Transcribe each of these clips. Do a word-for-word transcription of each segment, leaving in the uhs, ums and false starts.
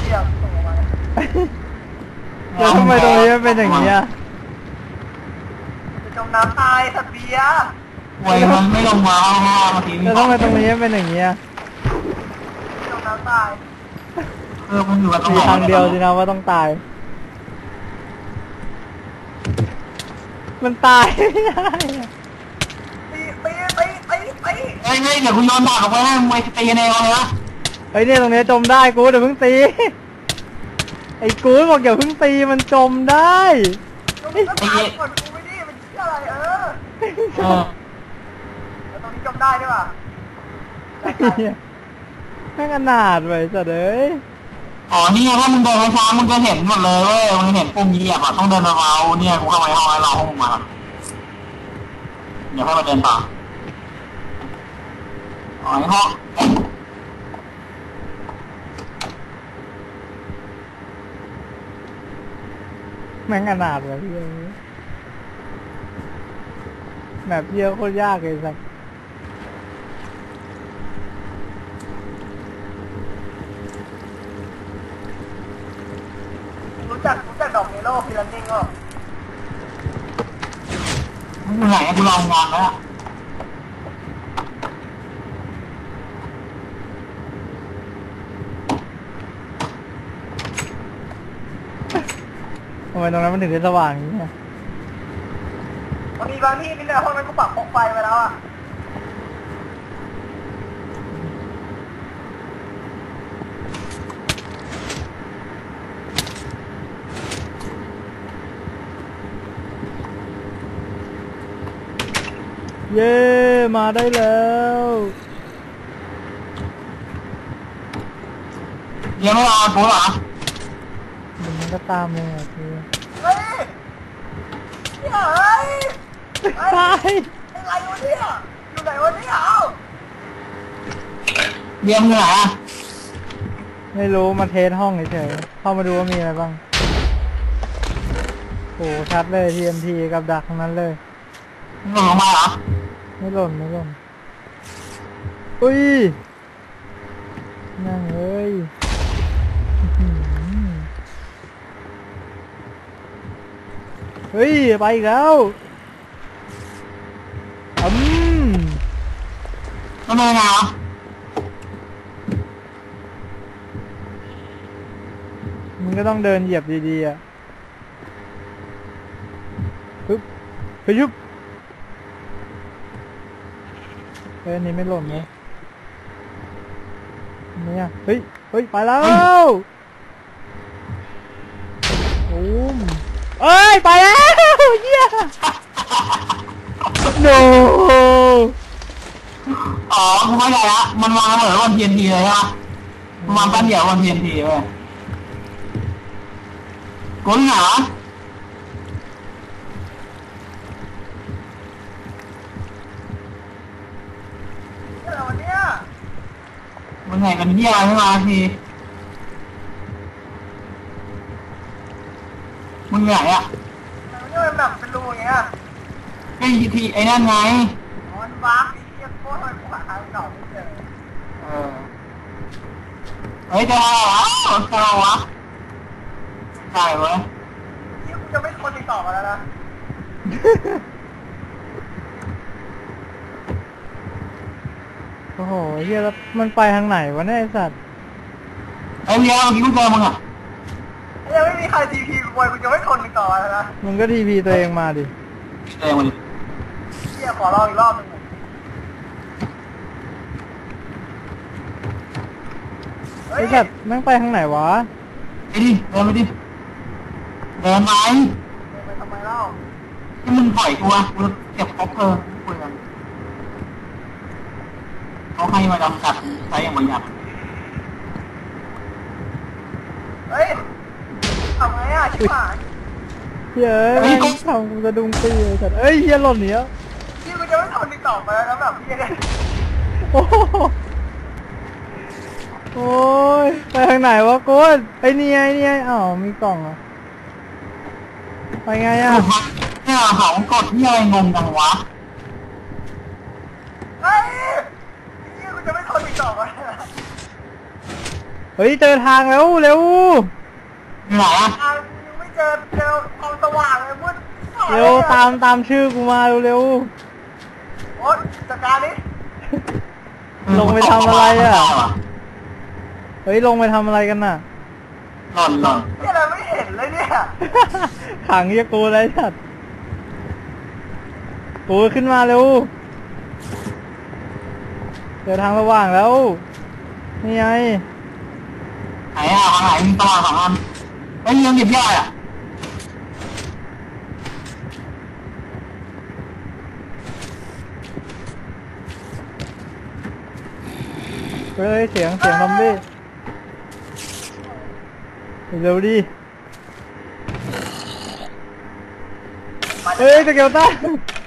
เหี้ยส่งออกมาแล้วทำไมตรงนี้มันเป็นอย่างนี้อ่ะจะจมน้ำตายสัตว์เบียร์ป่วยมันไม่ลงมาห้องเมื่อกี้แล้วทำไมตรงนี้มันเป็นอย่างนี้อ่ะจมน้ำตายเออมันอยู่กับตรงไหนมีทางเดียวสินะว่าต้องตายมันตายไม่ได้ตีตีตีตีตีเฮ้ยเฮ้ยเดี๋ยวกูโยนดาบออกไปให้มึงไปตีในเอาเลยนะเฮ้ยเนี่ยตรงนี้จมได้กูเดี๋ยวเพิ่งตีไอ้กูบอกอย่าเพิ่งตีมันจมได้ไอ้เหี้ยก่อนกูไม่ดีมันเชื่ออะไรเออเออแล้วตรงนี้จมได้ด้วยป่ะแม่งอนาถไว้สัตว์เอ้ยอ๋อนี่ไงถ้ามึงเดินช้าๆมึงจะเห็นหมดเลยเว้ยมึงเห็นปุ่มเหยียบอ่ะต้องเดินเบาๆเนี่ยกูเข้าไปห้องไอ้เราห้องมาเดี๋ยวให้มาเดินต่ออ๋อไอ้ห้องแม่งอนาถไว้พี่แบบเยอะโคตรยากเลยสัตว์รู้จักรู้จักดอกเมโลฟิลันนิ่งก็มึงอยู่ไหนกูลองงานแล้วทำไมตรงนั้นมันถึงได้สว่างอย่างนี้เนี่ยมันมีบางที่นี่เนี่ยห้องนั้นกูปักพกไฟไปแล้วอ่ะเย้มาได้แล้วยังไม่รอกูเหรอมันก็ตามเลยอ่ะคือเฮ้ยเฮ้ยตายอะไรวะเนี่ยอยู่ไหนวะเนี่ยเอ้าเยี่ยมเลยอ่ะไม่รู้มาเทสห้องเฉยๆเข้ามาดูว่ามีอะไรบ้างโอ้ชัดเลย ที เอ็น ที กับดักทั้งนั้นเลยหล่นลงมาเหรอไม่หล่นไม่หล่นอุ้ยนั่งเลยเฮ้ยไปอีกแล้วอืมมันเป็นไงวะมึงก็ต้องเดินเหยียบดีๆอ่ะปึ๊บไปยุบเฮ้ยอันนี้ไม่หล่นเลยเนี่ยเฮ้ยเฮ้ยไปแล้วโอ้มเอ้ยไปแล้วเหี้ยโนอ๋อกูเข้าใจละมันวางเหมือนวันทีเอ็นทีเลยใช่ไหมมันวางแป๊บเดียววันทีเอ็นทีเว้ยกูหนาอะไรวะเนี่ยมันไหนกันเหี้ยไม่มาทีมึงไหนอ่ะนี่มันแบบเป็นรูอย่างเงี้ยไอ้ทีไอ้นั่นไงมันวักเทียบโคตรมันขวาทางเก่าไม่เจอเออเฮ้ยจะเอาเหรอจะเอาวะใช่เว้ยนี่กูจะไม่คนติดต่อมาแล้วนะโอ้โหเฮียแล้วมันไปทางไหนวะเนี่ยไอสัตว์ไอ้เมียเมื่อกี้กูเจอมึงอ่ะยังไม่มีใครทีพีกูกูจะไม่คนติดต่อแล้วนะมึงก็ทีพีตัวเองมาดิเจอมันเฮียขอลองอีกรอบหนึ่งไอสัตว์แม่งไปทางไหนวะไปดิเดินไปดิเดินไปเดินไปทำไมเล่าที่มึงปล่อยตัวกูเก็บครบเธอคุยกันเขาให้มาจำกัดใช้อย่างประหยัดเฮ้ยทำไงอ่ะชิบหายเฮ้ยไม่ทำกูจะดุงตีเลยสัตว์เอ้ยเฮียหล่นเนี้ยพี่กูจะไม่ทนติดต่อไปแล้วแบบพี่เนี่ยโอ้โอ้ยไปทางไหนวะกูไอ้นี่ไงนี่ไงอ้าวมีกล่องอ่ะไปไงอ่ะเนี่ยเขากดที่อะไรงงจังวะเฮ้ยพี่กูจะไม่ทนติดต่อไปเฮ้ยเจอทางแล้วเร็วอยู่ไหนอ่ะทางยังไม่เจอเจอความสว่างเลยมืดเร็วตามตามชื่อกูมาเร็วโอ๊ตจัดการดิลงไปทำอะไรอ่ะเฮ้ยลงไปทำอะไรกันน่ะหล่นหล่นเนี่ยเราไม่เห็นเลยเนี่ยขังเหี้ยกูไรสัตว์กูขึ้นมาเร็วเจอทางระหว่างแล้วนี่ไงไหนอ่ะทางไหนมีตลาดสองอันไอ้เรื่องหยิบย่อยอ่ะเฮ้ยเสียงเสียงซอมบี้เร็วดิเฮ้ยตะเกียวต้า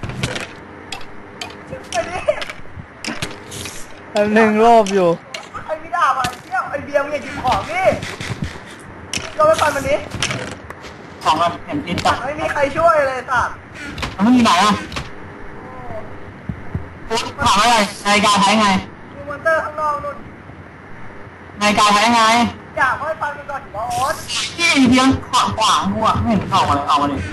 ไปดิอันหนึ่งรอบอยู่ไอ้พี่ดาบอ่ะเที่ยวไอ้เบียร์มึงอย่าหยิบของดิก็ไม่ฟันมันนี้สองอันเห็นกินจับไม่มีใครช่วยเลยสัตว์มันอยู่ไหนอ่ะถามอะไรนาฬิกาใช้ไงดูมอนเตอร์ข้างนอกนู่นนาฬิกาใช้ไงอยากให้ฟันมันก่อนถึงว่าโอ๊ตที่เพียงขวางขวางกูอ่ะไม่เห็นเข้ามาเลยเอามาเลย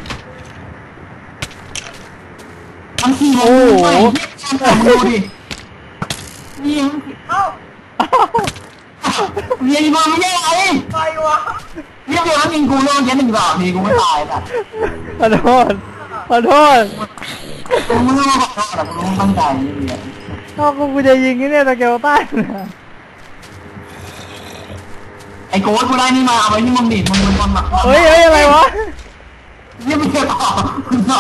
มันขี่ลงไปแต่มึงดูดินี่ยังเอ้าเรียนมาไม่ใช่ไงไปวะเรียกเดียวแล้วยิงกูเรื่องเย็นหนึ่งสองทีกูไม่ตายแต่ขอโทษขอโทษกูไม่ต้องขอโทษแต่กูต้องตั้งใจนี่เดียวถ้ากูจะยิงนี่เนี่ยตะเกียวต้าเนี่ยไอ้โก้กูได้นี่มาเอาไว้ที่มึงดิมึงเป็นคนแบบเฮ้ยเฮ้ยอะไรวะนี่ไม่ใช่ต่อคุณนอน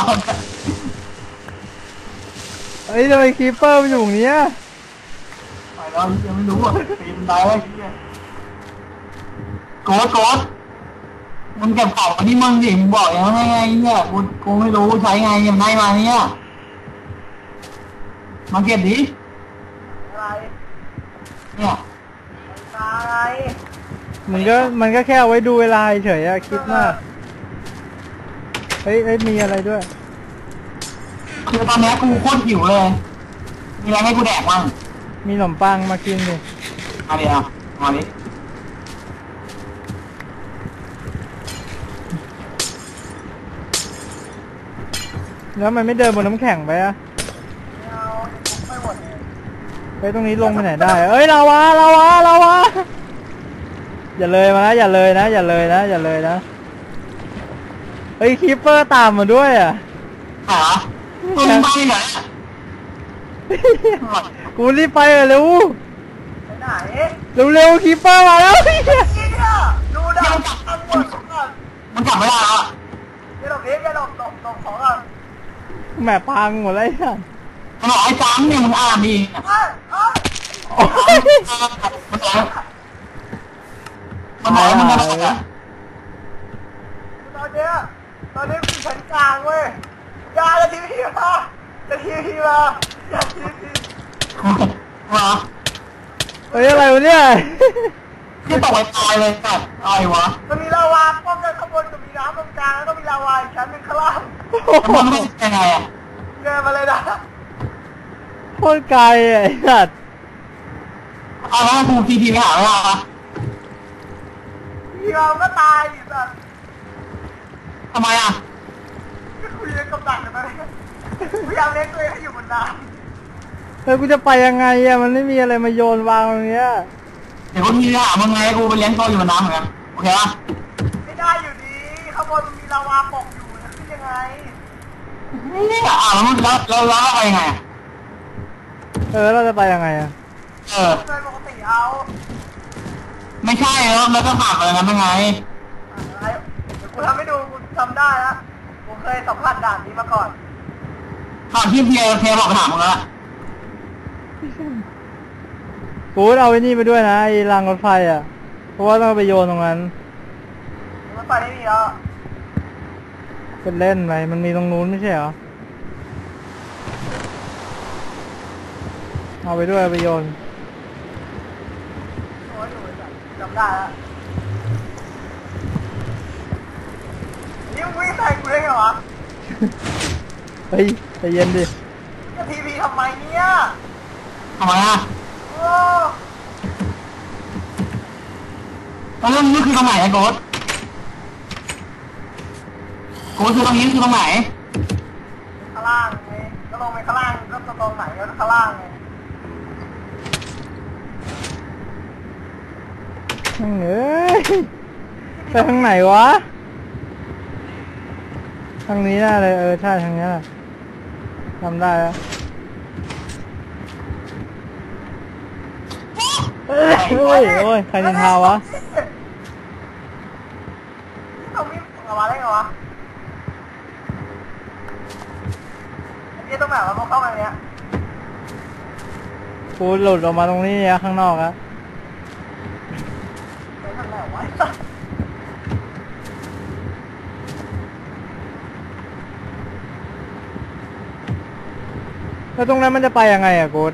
เฮ้ยทำไมคีเปอร์มันอยู่อย่างเนี้ยไปแล้วยังไม่รู้อ่ะปีนได้แล้วที่โก้โก้มึงเก็บของมาที่มึงดิมึงบอกยังไงไงเนี่ยกูกูไม่รู้ใช้ไงยังได้มาเนี่ยมาเก็บดิอะไรเนี่ยตายมันก็มันก็แค่เอาไว้ดูเวลาเฉยอะคิดมากเฮ้ยเฮ้ยมีอะไรด้วยคือตอนนี้กูโคตรหิวเลย มีอะไรให้กูแดกบ้างมีขนมปังมากินดิมาดิอ่ะมาดิแล้วมันไม่เดินบนน้ำแข็งไปอะไม่เอาไม่หมดเลยเฮ้ยตรงนี้ลงไปไหนได้เอ้ยลาวาลาวาลาวาอย่าเลยมานะอย่าเลยนะอย่าเลยนะอย่าเลยนะเฮ้ยคีเปอร์ตามมาด้วยอ่ะหามึงไปไหนกูรีบไปเลยเร็วไปไหนเร็วเร็วคีเปอร์มาแล้วเฮียดูดาวทั้งหมดก่อนมันกลับไม่ได้แล้วเดี๋ยวหลบเอ๊ะเดี๋ยวหลบหลบหลบของก่อนแหม่พังหมดเลยอ่ะมันบอกไอ้จังเนี่ยมึงอ่านดีเอ้ยเอ้ยโอ้ยมันบอกมันบอกมันบอกตอนเนี้ยตอนนี้คือชั้นกลางเว้ยยาจะทีพีมาจะทีพีมาอย่าทีพีเหรอเฮ้ยอะไรวะเนี่ยที่ตกไปตายเลยสัตว์อะไรวะมันมีลาวาป้องกันข้างบนจะมีน้ำตรงกลางแล้วก็มีลาวาอีกชั้นหนึ่งข้างล่างมันไม่ยังไงอ่ะเดินมาเลยนะโคตรไกลอ่ะไอ้สัตว์เอาแล้วกูทีทีไปหาไม่เอาอ่ะพี่เราก็ตายอีกสัตว์ทำไมอ่ะก็คุยกันกับดักกันไปพยายามเลี้ยงตัวเองให้อยู่บนน้เฮ้ยกูจะไปยังไงอ่ะมันไม่มีอะไรมาโยนวางตรงเนี้ยเดี๋ยวกูทีไปหามึงไงกูไปเลี้ยงโตอยู่บนน้ำเหมือนกันโอเคป่ะำไม่ได้อยู่ดีข้างบนมันมีลาวาปกอยู่จะขึ้นยังไงนี่อ่ะแล้วแล้วแล้วอะไรยังไงเออเราจะไปยังไงอ่ะเออเดินปกติเอาไม่ใช่แล้วแล้วก็ผ่านไปแล้วยังไงอะไรเดี๋ยวกูทำให้ดูกูทำได้นะกูเคยสัมผัสด่านนี้มาก่อนผ่านที่เพียร์เพียร์บอกไปถามมึงแล้วกูเอาไอ้นี่ไปด้วยนะไอ้รางรถไฟอ่ะเพราะว่าต้องเอาไปโยนตรงนั้นมันไปไม่มีแล้วเป็นเล่นไปมันมีตรงนู้นไม่ใช่เหรอเอาไปด้วยเอาไปโยนโอ้ยอยู่เลยจ้ะจำได้แล้วนี่มึงวิ่งใส่กูได้ไงวะเฮ้ยใจเย็นดิจะทีวีทำไมเนี่ยทำไมอ่ะโอ้แล้วเรื่องนี้คือตรงไหนอะโกดโกดคือตรงนี้คือตรงไหนข้างล่างไงก็ลงไปข้างล่างก็ตรงไหนก็ข้างล่างไงเอ้ยไปทางไหนวะทางนี้น่าเลยเออใช่ทางนี้แหละทำได้แล้วโอ้ยโอ้ยใครนินทาวะตรงนี้ออกมาได้ไงวะไอ้ที่ตรงไหนวะเขาเข้ามาเนี้ยกูหลุดออกมาตรงนี้เนี่ยข้างนอกอะไปทางไหนวะแล้วตรงนั้นมันจะไปยังไงอะโกด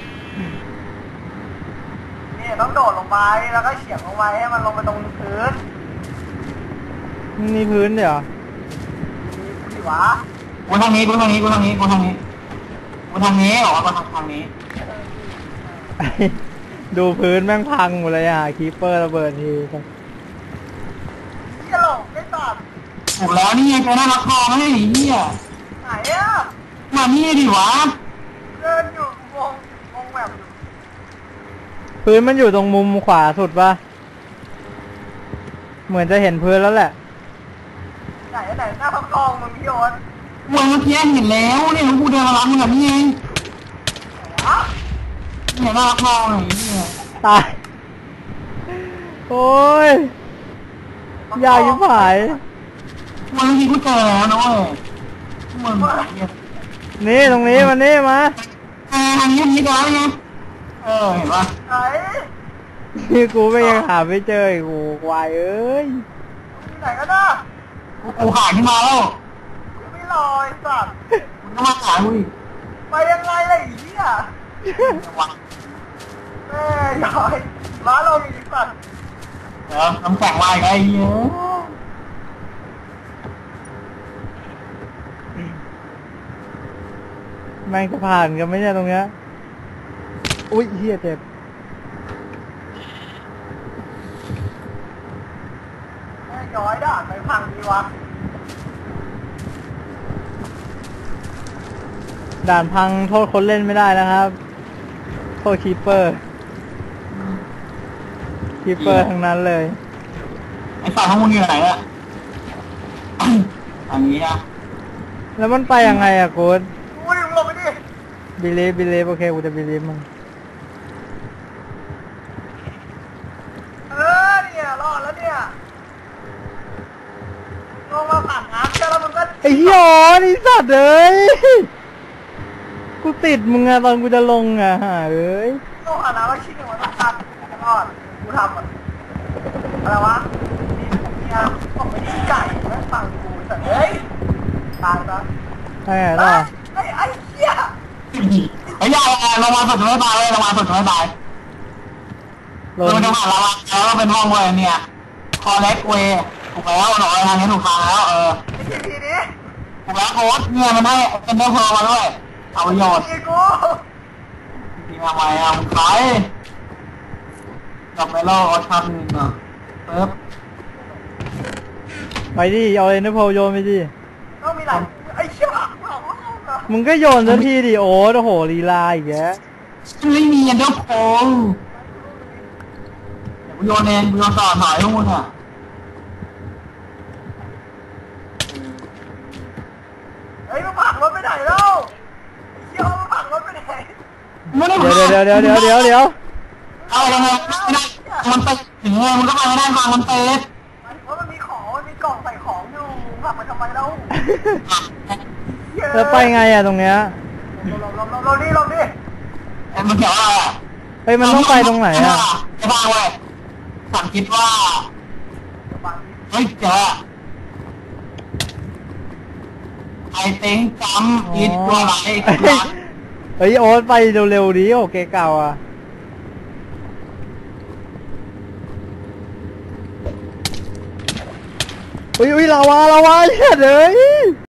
นี่ต้องโดดลงไปแล้วก็เฉียงลงไปให้มันลงไปตรงพื้นมีพื้นเดี๋ยวนี่วะกูทางนี้กูทางนี้กูทางนี้กูทางนี้กูทางนี้หรอกูทางทางนี้ดูพื้นแม่งพังหมดเลยอ่ะคีเปอร์ระเบิดทีจะหลงไม่ตัดถูกแล้วนี่ไงเจอหน้ารักคอไม่หนีเนี่ยไหนอ่ะมานี่ดิวะเดินอยู่มองมองแบบพื้นมันอยู่ตรงมุมขวาสุดปะเหมือนจะเห็นพื้นแล้วแหละไหนไหนหน้าพักกองมึงพี่โอ๊ตมึงเมื่อกี้เห็นแล้วเนี่ยกูเดินมารับมึงแบบนี้เองเนี่ยหน้ารักคออย่างนี้เนี่ยตายโอ้ยยากยิ่งผายมันที่กูเจอแล้วนะเว้ยมึงนี่ตรงนี้มานี่มาอ่าทางนี้ทางนี้เดี๋ยวไงเออเห็นปะไหนนี่กูไม่ยังหาไม่เจอกูควายเอ้ยไหนกันนะกูกูหายขึ้นมาแล้วไม่ลอยสัตว์มึงต้องมาหากูอีกไปยังไงล่ะอีเนี่ยแม่ย้อยม้าลงอีกสัตว์เดี๋ยวน้ำแข็งลายไงเยอะแม่งจะผ่านกันไหมเนี่ยตรงเนี้ยอุ้ยเฮียเจ็บแม่ย้อยด่านไปพังดีวะด่านพังโทษคนเล่นไม่ได้นะครับโทษคีเปอร์คีเปอร์ทั้งนั้นเลยไอ้ฝ่ายข้างบนอยู่ไหนอะอันนี้อะแล้วมันไปยังไงอะโค้ดอุ้ยลงไปดิบิลีฟบิลีฟโอเคกูจะบิลีฟมึงเออเนี่ยรอดแล้วเนี่ยลงมาผ่านน้ำเจอแล้วมึงก็ไอ้หยอนี่สัตว์เอ้ยกูติดมึงอะตอนกูจะลงอะฮะเอ้ยลงผ่านน้ำแล้วชิ้นหนึ่งมันต้องตัดรอดกูทำอ่ะอะไรวะนี่เนี่ยบอกไปที่ไก่แล้วฟังกูแต่เฮ้ยตายซะไอ้ต่อไอ้ไอ้เหี้ยไอ้ยายลงมาสุดไม่ตายเลยลงมาสุดไม่ตายลงจังหวะเราแล้วก็เป็นห้องเว้ยเนี่ยคอเล็กเวถูกแล้วหน่อยทางนี้ถูกทางแล้วเออไอ้ทีพีนี้ถูกแล้วโค้ดเนี่ยมันให้เป็นได้เพอมาด้วยเอาประโยชน์ไอ้กูทีทำไมอ่ะมึงใครกับไปล่อเอาชันนึงอ่ะเปิ๊บไปดิเอาเอ็นโพโยนไปดิต้องมีหลังไอ้เชี่ยมึงก็โยนสักทีดิโอ้โหลีลาอีกแกไม่มีเอ็นโพเดี๋ยวกูโยนเองกูโยนต่อหน่อยพวกมึงอ่ะเฮ้ยมึงผักรถไปไหนแล้วเชี่ยมึงผักรถไปไหนเดี๋ยวเดี๋ยวเดี๋ยวเดี๋ยวเดี๋ยวเดี๋ยวเอายังไงไม่ได้มันไปถึงไงมันก็ไปไม่ได้ทางมันเตะเพราะมันมีของมันมีกล่องใส่ของอยู่ผักมันทำไมแล้วแล้วไปไงอะตรงเนี้ยลงลงลงลงดิลงดิไอ้มันเขียวอะไรอ่ะเฮ้ยมันต้องไปตรงไหนอะไอ้บ้าเว้ยสั่งคิดว่าเฮ้ยเจ๋อไอ้เต็งจำอีทตัวไหนเฮ้ยโอ๊ตไปเร็วๆดิโอเคเก่าอ่ะอุ้ยอุ้ยลาวาลาวาเนี่ยเด้ย